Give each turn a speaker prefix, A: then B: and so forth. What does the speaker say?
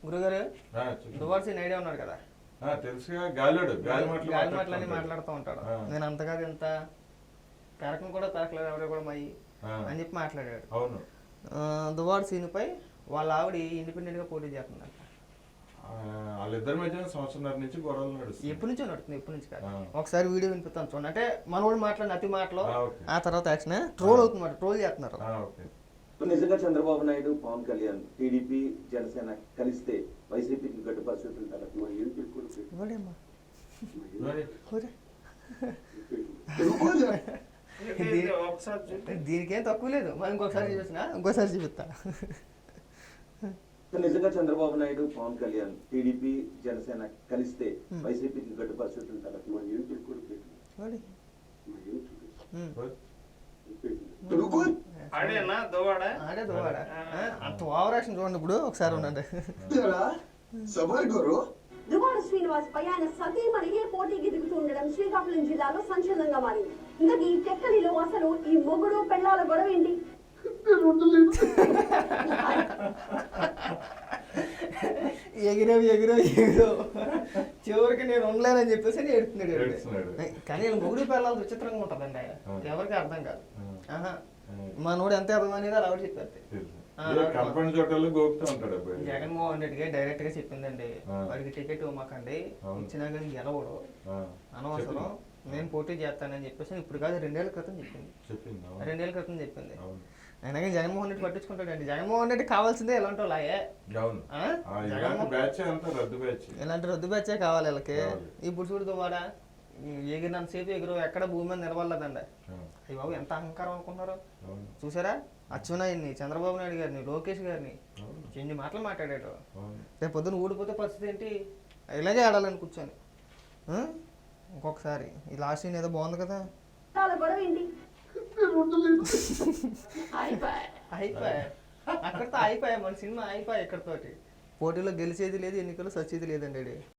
A: గురుగారు దువార్ scene idea ఉన్నాడు కదా,
B: తెలుసుగా. గాలి
A: మాటలని మాట్లాడుతూ ఉంటాడు. నేను అంతగా ఇంత పెరకం కూడా పెరకలేదు ఎవరు కూడా మై అని చెప్పి మాట్లాడాడు.
B: అవును.
A: దువార్ సీన్ పై వాళ్ళ ఆవిడ ఇండిపెండెంట్ గా పోటీ చేస్తుందంట.
B: వాళ్ళిద్దరి మధ్య సంవత్సరం నుంచి గొడవలు నడుస్తుంది.
A: ఎప్పటి నుంచో నడుస్తుంది, ఎప్పటి నుంచి కాదు. ఒకసారి వీడియో వినిపిస్తాను చూడండి. అంటే మనోడు మాట్లాడిన అతి మాటలు ఆ తర్వాత యాక్షన్ ట్రోల్ అవుతుంది, ట్రోల్ చేస్తున్నారు.
C: నిజంగా చంద్రబాబు నాయుడు, పవన్ కళ్యాణ్, టీడీపీ, జనసేన కలిస్తే వైసీపీకి గడ్డు పరిస్థితులు
A: దీనికేం తక్కువ లేదు. మనం ఇంకొకసారి చూపిస్తున్నా, ఇంకోసారి చూపిస్తా.
C: నిజంగా చంద్రబాబు నాయుడు, పవన్ కళ్యాణ్, టీడీపీ, జనసేన కలిస్తే వైసీపీకి గడ్డు పరిస్థితులు
A: అంత ఓవర్ యాక్షన్ చూడండి. ఇప్పుడు ఒకసారి ఉండండి.
D: దువ్వాడ శ్రీనివాస్ పై ఆయన సతీమణిగే పోటీకి దిగుతుండడం శ్రీకాకుళం జిల్లాలో సంచలనంగా మారింది. ఇంకా ఈ టెక్కలిలో అసలు ఈ మొగుడు పెళ్ళాల గొడవ ఏంటి?
A: ఎగిరో చివరికి నేను ఉండలేనని చెప్పేసి ఏడుస్తున్నాడు. కానీ మొగుడు పిల్లలు విచిత్రంగా ఉంటదండి, ఎవరికి అర్థం కాదు. మనోడు ఎంత అర్థం అనేది అలా చెప్పారు. జగన్మోహన్ రెడ్డికి డైరెక్ట్ గా చెప్పిందండి, వాడికి టికెట్ ఇవ్వమాకండి, ఇచ్చినా కానీ గెలవడు, అనవసరం, నేను పోటీ చేస్తానని చెప్పేసి ఇప్పుడు కాదు 2 ఏళ్ల క్రితం చెప్పింది. 2 ఏళ్ల క్రితం చెప్పింది. అయినా కానీ జగన్మోహన్ రెడ్డి పట్టించుకుంటాడండి. జగన్మోహన్ రెడ్డి కావాల్సిందే ఇలాంటి వాళ్ళే, ఇలాంటి రద్దు బ్యాచే కావాలి వీళ్ళకి. ఇప్పుడు చూడు వాడ ఎగిరినంత సేపు ఎగురు ఎక్కడ భూమి మీద నిలబడలేదండి. అయ్యి బాబు ఎంత అహంకారం అనుకున్నారు చూసారా? అచ్చెన్నాయుడిని, చంద్రబాబు నాయుడు గారిని, లోకేష్ గారిని ఎన్ని మాటలు మాట్లాడాడు. రేపు పొద్దున ఊడిపోతే పరిస్థితి ఏంటి? ఇలాగే ఆడాలని కూర్చొని. ఇంకొకసారి ఈ లాస్ట్ సీన్ ఏదో బాగుంది కదా, అక్కడితో అయిపోయా మన సినిమా, అయిపోయా ఇక్కడతోటి. పోటీలో గెలిచేది లేదు, ఎన్నికలు సచ్చేది లేదండి.